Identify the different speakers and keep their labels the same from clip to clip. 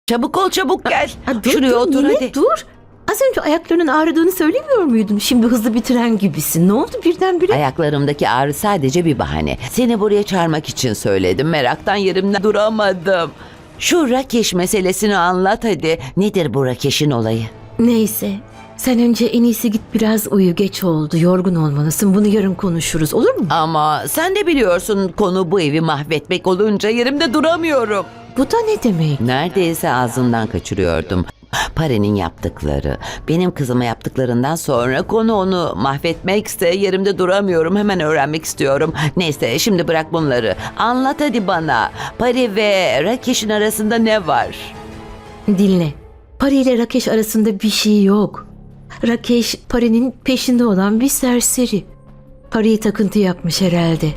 Speaker 1: Çabuk ol, çabuk gel.
Speaker 2: Dur,
Speaker 1: Şuraya
Speaker 2: dur,
Speaker 1: otur
Speaker 2: Nine,
Speaker 1: hadi.
Speaker 2: dur. Az önce ayaklarının ağrıdığını söylemiyor muydun? Şimdi hızlı bitiren gibisin. Ne oldu birdenbire?
Speaker 1: Ayaklarımdaki ağrı sadece bir bahane. Seni buraya çağırmak için söyledim. Meraktan yerimden duramadım. Şu Rakeş meselesini anlat hadi. Nedir bu Rakeş'in olayı?
Speaker 2: Neyse. Sen önce en iyisi git biraz uyu. Geç oldu. Yorgun olmalısın. Bunu yarın konuşuruz. Olur mu?
Speaker 1: Ama sen de biliyorsun, konu bu evi mahvetmek olunca yerimde duramıyorum.
Speaker 2: Bu da ne demek?
Speaker 1: Neredeyse ağzından kaçırıyordum. Pare'nin yaptıkları, benim kızıma yaptıklarından sonra konu onu mahvetmekse yerimde duramıyorum. Hemen öğrenmek istiyorum. Neyse, şimdi bırak bunları. Anlat hadi bana. Pare ve Rakeş'in arasında ne var?
Speaker 2: Dinle. Pari ile Rakeş arasında bir şey yok. Rakeş Pari'nin peşinde olan bir serseri. Pari'yi takıntı yapmış herhalde.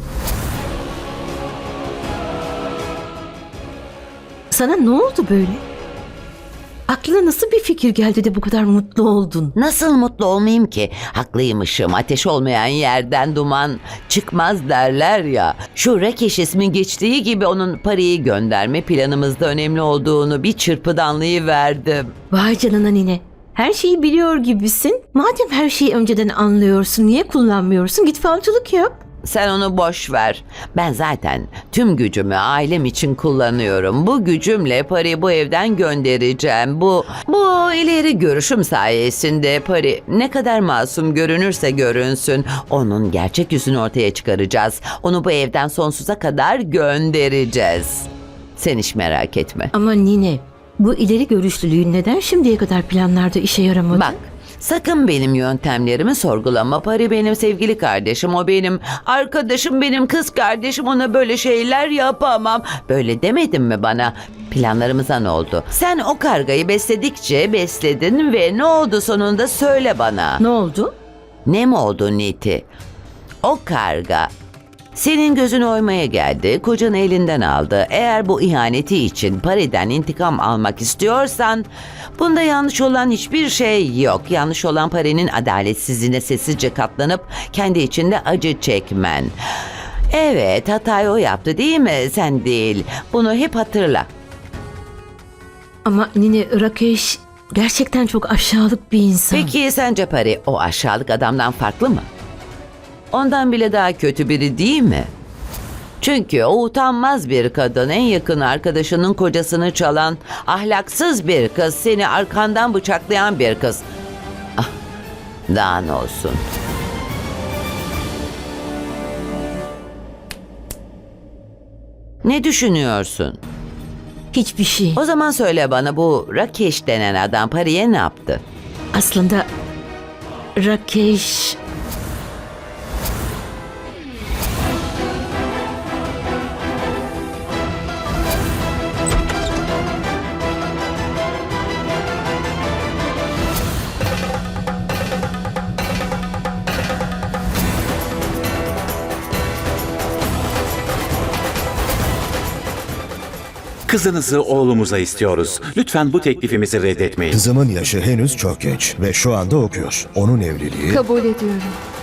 Speaker 2: Sana ne oldu böyle? Aklına nasıl bir fikir geldi de bu kadar mutlu oldun?
Speaker 1: Nasıl mutlu olmayayım ki? Haklıymışım. Ateş olmayan yerden duman çıkmaz derler ya. Şu Rakeş ismi geçtiği gibi onun Pare'yi gönderme planımızda önemli olduğunu bir çırpıda anlayıverdim.
Speaker 2: Vay canına Nine. Her şeyi biliyor gibisin. Madem her şeyi önceden anlıyorsun, niye kullanmıyorsun? Git falcılık yap.
Speaker 1: Sen onu boş ver. Ben zaten tüm gücümü ailem için kullanıyorum. Bu gücümle Pari bu evden göndereceğim. Bu ileri görüşüm sayesinde Pari ne kadar masum görünürse görünsün, onun gerçek yüzünü ortaya çıkaracağız. Onu bu evden sonsuza kadar göndereceğiz. Sen hiç merak etme.
Speaker 2: Ama Nine, bu ileri görüşlülüğün neden şimdiye kadar planlarda işe yaramadı?
Speaker 1: Bak, sakın benim yöntemlerimi sorgulama. Pari benim sevgili kardeşim, o benim arkadaşım, benim kız kardeşim. Ona böyle şeyler yapamam. Böyle demedin mi bana? Planlarımıza ne oldu? Sen o kargayı besledikçe besledin ve ne oldu sonunda, söyle bana.
Speaker 2: Ne oldu?
Speaker 1: Ne mi oldu Niti? O karga senin gözünü oymaya geldi, kocanı elinden aldı. Eğer bu ihaneti için Pari'den intikam almak istiyorsan, bunda yanlış olan hiçbir şey yok. Yanlış olan Pari'nin adaletsizliğine sessizce katlanıp kendi içinde acı çekmen. Evet, hatayı o yaptı değil mi? Sen değil. Bunu hep hatırla.
Speaker 2: Ama Nine, Rakeş gerçekten çok aşağılık bir insan.
Speaker 1: Peki sence Pari o aşağılık adamdan farklı mı? Ondan bile daha kötü biri değil mi? Çünkü o utanmaz bir kadın, en yakın arkadaşının kocasını çalan, ahlaksız bir kız, seni arkandan bıçaklayan bir kız. Ah, daha ne olsun. Ne düşünüyorsun?
Speaker 2: Hiçbir şey.
Speaker 1: O zaman söyle bana, bu Rakeş denen adam Pari'ye ne yaptı?
Speaker 2: Aslında Rakeş...
Speaker 3: Kızınızı oğlumuza istiyoruz. Lütfen bu teklifimizi reddetmeyin.
Speaker 4: Kızımın yaşı henüz çok genç ve şu anda okuyor. Onun evliliği...
Speaker 5: Kabul ediyorum.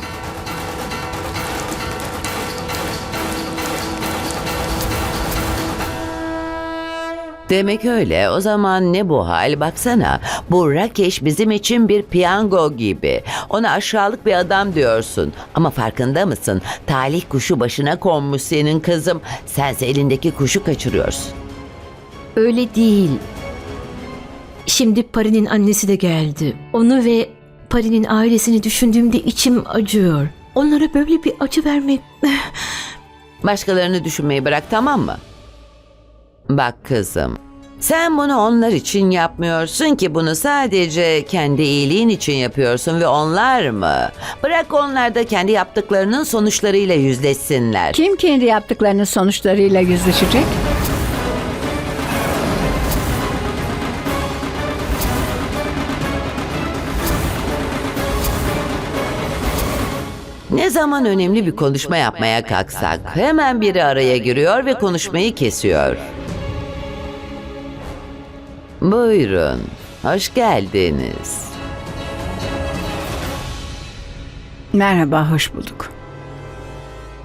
Speaker 1: Demek öyle. O zaman ne bu hal? Baksana. Bu Rakeş bizim için bir piyango gibi. Ona aşağılık bir adam diyorsun. Ama farkında mısın? Talih kuşu başına konmuş senin kızım. Sense elindeki kuşu kaçırıyorsun.
Speaker 2: Öyle değil. Şimdi Pari'nin annesi de geldi. Onu ve Pari'nin ailesini düşündüğümde içim acıyor. Onlara böyle bir acı vermek...
Speaker 1: Başkalarını düşünmeyi bırak, tamam mı? Bak kızım. Sen bunu onlar için yapmıyorsun ki, bunu sadece kendi iyiliğin için yapıyorsun ve onlar mı? Bırak onlar da kendi yaptıklarının sonuçlarıyla yüzleşsinler.
Speaker 5: Kim kendi yaptıklarının sonuçlarıyla yüzleşecek?
Speaker 1: Ne zaman önemli bir konuşma yapmaya kalksak hemen biri araya giriyor ve konuşmayı kesiyor. Buyurun, hoş geldiniz.
Speaker 5: Merhaba, hoş bulduk.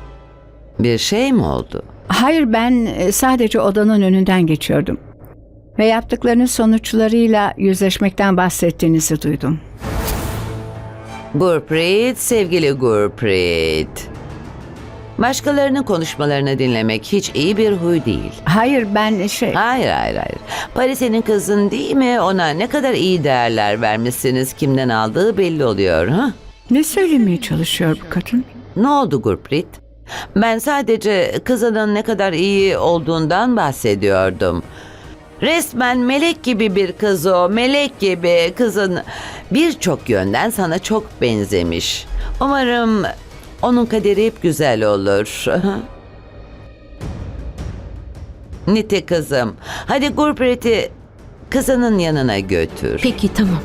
Speaker 1: Bir şey mi oldu?
Speaker 5: Hayır, ben sadece odanın önünden geçiyordum. Ve yaptıklarınız sonuçlarıyla yüzleşmekten bahsettiğinizi duydum.
Speaker 1: Gurpreet, sevgili Gurpreet. Başkalarının konuşmalarını dinlemek hiç iyi bir huy değil.
Speaker 5: Hayır ben
Speaker 1: Hayır. Pari senin kızın değil mi? Ona ne kadar iyi değerler vermişsiniz. Kimden aldığı belli oluyor. Ha?
Speaker 5: Ne söylemeye çalışıyor bu kadın?
Speaker 1: Ne oldu Gurpreet? Ben sadece kızının ne kadar iyi olduğundan bahsediyordum. Resmen melek gibi bir kız o. Melek gibi kızın birçok yönden sana çok benzemiş. Umarım onun kaderi hep güzel olur. Niti kızım, hadi Gurpreet'i kızının yanına götür.
Speaker 2: Peki tamam.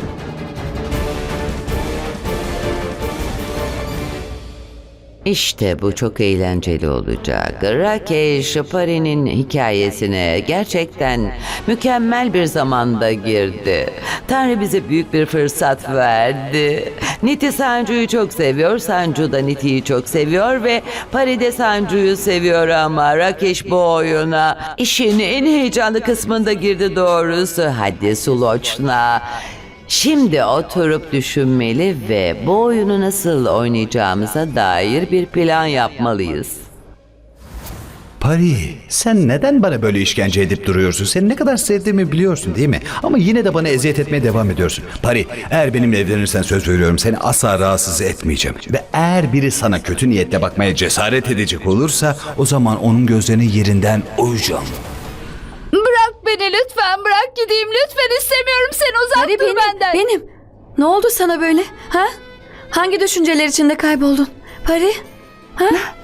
Speaker 1: İşte bu çok eğlenceli olacak. Rakesh, Pari'nin hikayesine gerçekten mükemmel bir zamanda girdi. Tanrı bize büyük bir fırsat verdi. Niti Sancu'yu çok seviyor, Sancu da Niti'yi çok seviyor ve Pari de Sancu'yu seviyor ama Rakesh bu oyuna işin en heyecanlı kısmında girdi doğrusu. Hadi Sulochna. Şimdi oturup düşünmeli ve bu oyunu nasıl oynayacağımıza dair bir plan yapmalıyız.
Speaker 6: Pari, sen neden bana böyle işkence edip duruyorsun? Seni ne kadar sevdiğimi biliyorsun değil mi? Ama yine de bana eziyet etmeye devam ediyorsun. Pari, eğer benimle evlenirsen söz veriyorum seni asla rahatsız etmeyeceğim. Ve eğer biri sana kötü niyetle bakmaya cesaret edecek olursa o zaman onun gözlerini yerinden oyacağım.
Speaker 7: Bırak beni lütfen, bırak gideyim lütfen, istemiyorum seni, uzak
Speaker 8: Pari
Speaker 7: dur
Speaker 8: benim,
Speaker 7: benden.
Speaker 8: benim. Ne oldu sana böyle? Ha? Hangi düşünceler içinde kayboldun? Pari? Ha?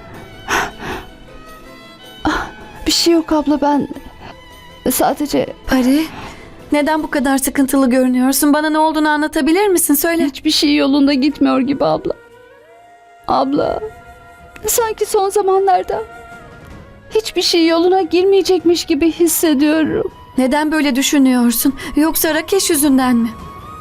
Speaker 7: Bir şey yok abla, ben sadece
Speaker 8: Pari? Neden bu kadar sıkıntılı görünüyorsun? Bana ne olduğunu anlatabilir misin? Söyle.
Speaker 7: hiçbir şey yolunda gitmiyor gibi abla. Abla, sanki son zamanlarda hiçbir şey yoluna girmeyecekmiş gibi hissediyorum.
Speaker 8: Neden böyle düşünüyorsun? Yoksa Rakesh yüzünden mi?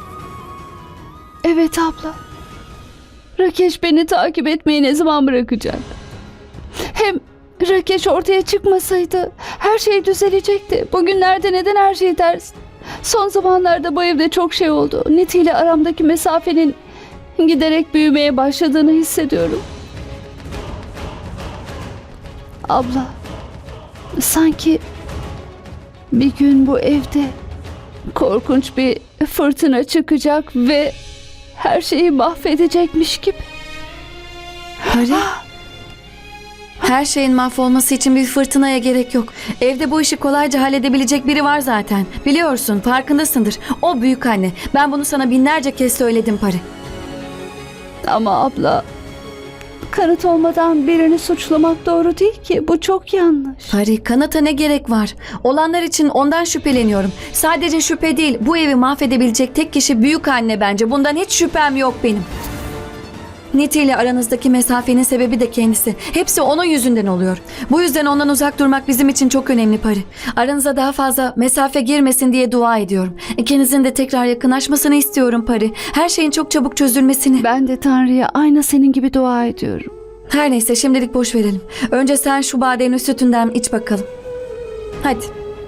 Speaker 7: Evet abla. Rakesh beni takip etmeyi ne zaman bırakacak? Hem Rakesh ortaya çıkmasaydı her şey düzelecekti. Bugünlerde neden her şey ters? Son zamanlarda bu evde çok şey oldu. Niti ile aramdaki mesafenin giderek büyümeye başladığını hissediyorum. Abla, sanki bir gün bu evde korkunç bir fırtına çıkacak ve her şeyi mahvedecekmiş gibi.
Speaker 8: Pari? Her şeyin mahvolması için bir fırtınaya gerek yok. Evde bu işi kolayca halledebilecek biri var zaten. Biliyorsun, farkındasındır. O büyük anne. Ben bunu sana binlerce kez söyledim Pari.
Speaker 7: Ama abla, kanıt olmadan birini suçlamak doğru değil ki. Bu çok yanlış.
Speaker 8: Pari, kanıta ne gerek var? Olanlar için ondan şüpheleniyorum. Sadece şüphe değil, bu evi mahvedebilecek tek kişi büyük anne bence. Bundan hiç şüphem yok benim. Niti ile aranızdaki mesafenin sebebi de kendisi. Hepsi onun yüzünden oluyor. Bu yüzden ondan uzak durmak bizim için çok önemli Pari. Aranıza daha fazla mesafe girmesin diye dua ediyorum. İkinizin de tekrar yakınlaşmasını istiyorum Pari. Her şeyin çok çabuk çözülmesini.
Speaker 7: Ben de Tanrı'ya aynı senin gibi dua ediyorum.
Speaker 8: Her neyse şimdilik boş verelim. Önce sen şu bademli sütünden iç bakalım. Hadi.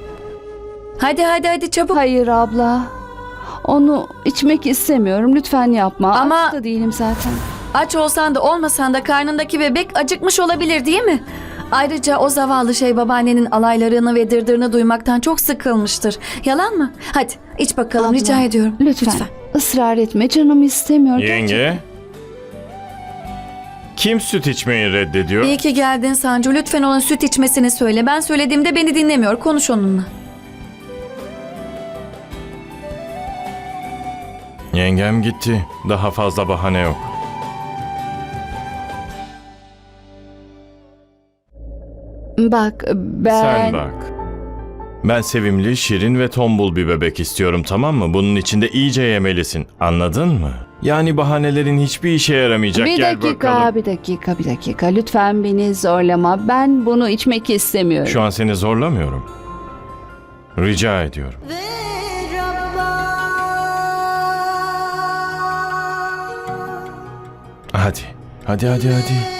Speaker 8: Hadi çabuk.
Speaker 7: Hayır abla. Onu içmek istemiyorum. Lütfen yapma.
Speaker 8: Ama-
Speaker 7: Aç da değilim zaten.
Speaker 8: Aç olsan da olmasan da karnındaki bebek acıkmış olabilir değil mi? Ayrıca o zavallı şey babaannenin alaylarını ve dırdırını duymaktan çok sıkılmıştır. Yalan mı? Hadi iç bakalım
Speaker 7: Abla,
Speaker 8: rica ediyorum.
Speaker 7: Lütfen. Israr etme. Canım istemiyor.
Speaker 9: Yenge? Kim süt içmeyi reddediyor?
Speaker 8: İyi ki geldin Sancu. Lütfen onun süt içmesini söyle. Ben söylediğimde beni dinlemiyor. Konuş onunla.
Speaker 9: Yengem gitti. Daha fazla bahane yok.
Speaker 7: Bak ben...
Speaker 9: Sen bak. Ben sevimli, şirin ve tombul bir bebek istiyorum, tamam mı? Bunun için de iyice yemelisin. Anladın mı? Yani bahanelerin hiçbir işe yaramayacak.
Speaker 7: Bir
Speaker 9: Gel
Speaker 7: dakika,
Speaker 9: bakalım.
Speaker 7: bir dakika. Lütfen beni zorlama. Ben bunu içmek istemiyorum.
Speaker 9: Şu an seni zorlamıyorum. Rica ediyorum. Hadi.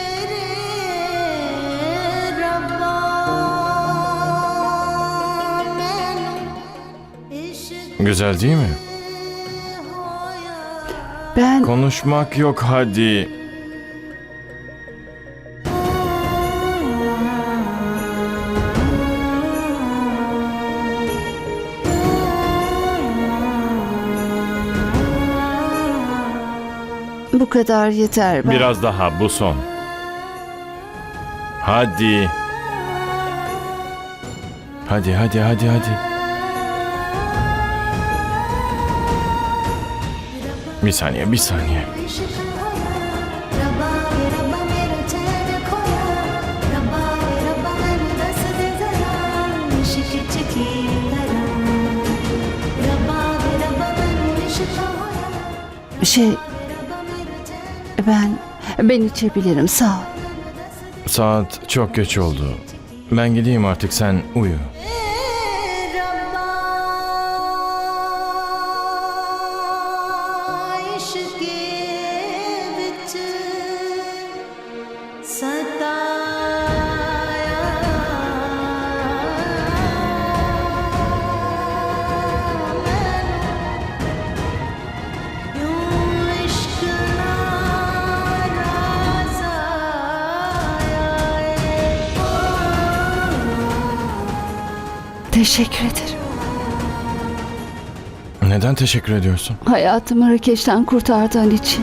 Speaker 9: Güzel değil mi?
Speaker 7: Ben
Speaker 9: Konuşmak yok hadi.
Speaker 7: bu kadar yeter. Ben...
Speaker 9: Biraz daha, bu son. Hadi. Hadi. Bir saniye.
Speaker 7: Ben içebilirim, sağ ol.
Speaker 9: Saat çok geç oldu. Ben gideyim artık, sen uyu.
Speaker 7: Teşekkür ederim.
Speaker 9: Neden teşekkür ediyorsun?
Speaker 7: Hayatımı Rakeş'ten kurtardığın için.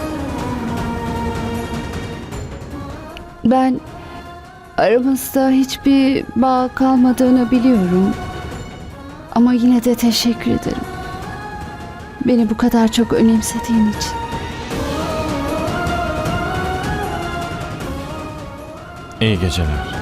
Speaker 7: Ben aramızda hiçbir bağ kalmadığını biliyorum. Ama yine de teşekkür ederim. Beni bu kadar çok önemsediğin için.
Speaker 9: İyi geceler.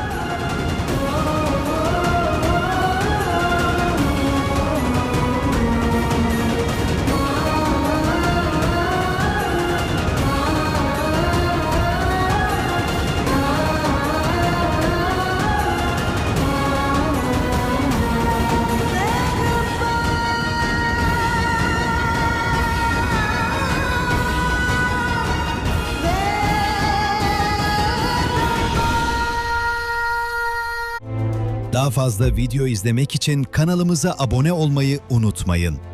Speaker 10: Daha fazla video izlemek için kanalımıza abone olmayı unutmayın.